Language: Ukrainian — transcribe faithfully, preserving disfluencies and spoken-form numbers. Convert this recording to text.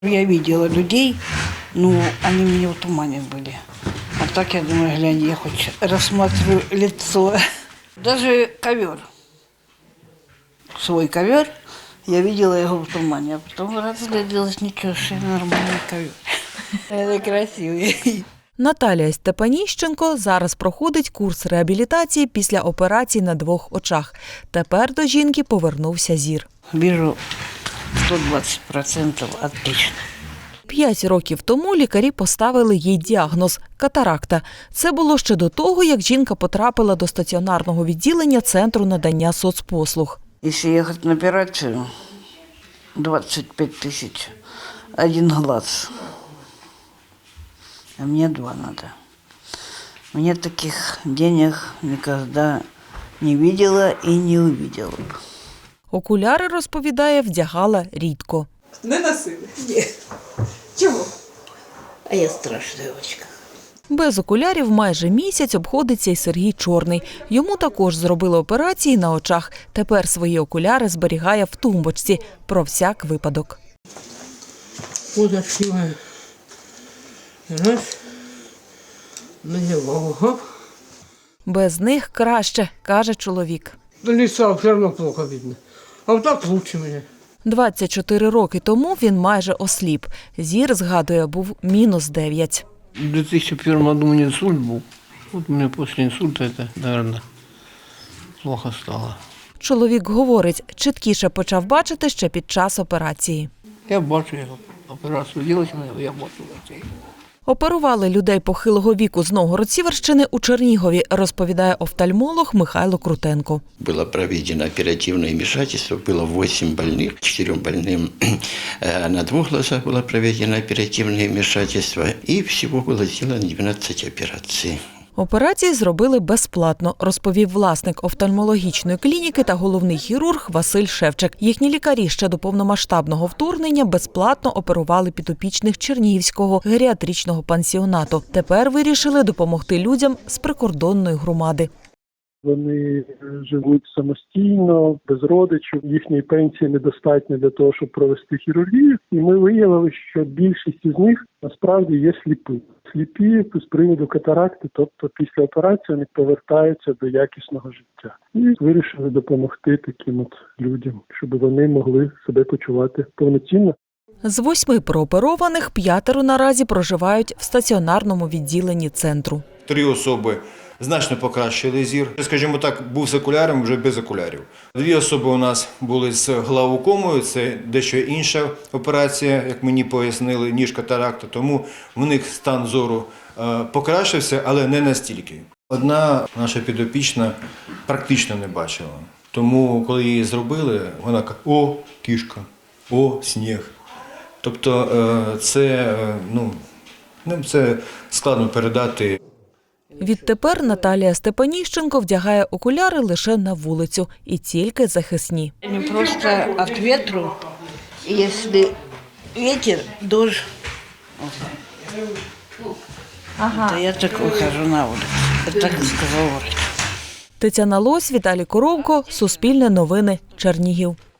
Я видела людей, но они мне в тумане были. А так я думаю, глянь, я хоть рассматриваю лицо. Даже ковер, свой ковер, я видела его в тумане, а потом разгляделась, ничего, что нормальный ковер. Это красивый. Наталія Степаніщенко зараз проходить курс реабілітації після операції на двох очах. Тепер до жінки повернувся зір. Вижу сто двадцять відсотків отлично. П'ять років тому лікарі поставили їй діагноз – катаракта. Це було ще до того, як жінка потрапила до стаціонарного відділення Центру надання соцпослуг. Якщо їхати на операцію, двадцять п'ять тисяч, один глаз. А мне два надо. Мне таких денег никогда не видела и не увидела б. Окуляри, розповідає, вдягала рідко. Не носили? Ні. Чого? А я страшна дівчинка. Без окулярів майже місяць обходиться й Сергій Чорний. Йому також зробили операції на очах. Тепер свої окуляри зберігає в тумбочці. Про всяк випадок. Ось відкриваю. Раз. Надевал. Без них краще, каже чоловік. До лица все равно плохо видно. А вот так лучше мне. двадцять чотири роки тому він майже осліп. Зір, згадує, був мінус дев'ять. В две тысячи первом году у меня инсульт был. Вот у меня после инсульта это, наверное, плохо стало. Чоловік говорить, чіткіше почав бачити ще під час операції. Я бачу, я операцию делать, я бачу. Оперували людей похилого віку з Новгород-Сіверщини у Чернігові, розповідає офтальмолог Михайло Крутенко. Было проведено оперативное вмешательство, было восемь больных, четырем больным на двух глазах было проведено оперативное вмешательство, и всего было сделано двенадцать операций. Операції зробили безплатно, розповів власник офтальмологічної клініки та головний хірург Василь Шевчик. Їхні лікарі ще до повномасштабного вторгнення безплатно оперували підопічних Чернігівського геріатричного пансіонату. Тепер вирішили допомогти людям з прикордонної громади. Вони живуть самостійно, без родичів, їхньої пенсії недостатньо для того, щоб провести хірургію. І ми виявили, що більшість із них насправді є сліпі. Сліпі з приводу катаракти, тобто після операції вони повертаються до якісного життя. І вирішили допомогти таким от людям, щоб вони могли себе почувати повноцінно. З восьми прооперованих п'ятеро наразі проживають в стаціонарному відділенні центру. Три особи значно покращили зір. Скажімо так, був з окулярами, вже без окулярів. Дві особи у нас були з глаукомою, це дещо інша операція, як мені пояснили, ніж катаракта, тому в них стан зору покращився, але не настільки. Одна наша підопічна практично не бачила, тому коли її зробили, вона каже: «О, кішка, о, сніг». Тобто це, ну, це складно передати. Відтепер Наталія Степаніщенко вдягає окуляри лише на вулицю і тільки захисні. Не просто від вітру, якщо вітер, дощ, ага. То я так виходжу на вулицю. Так сказав врач. Тетяна Лось, Віталій Коровко, Суспільне новини, Чернігів.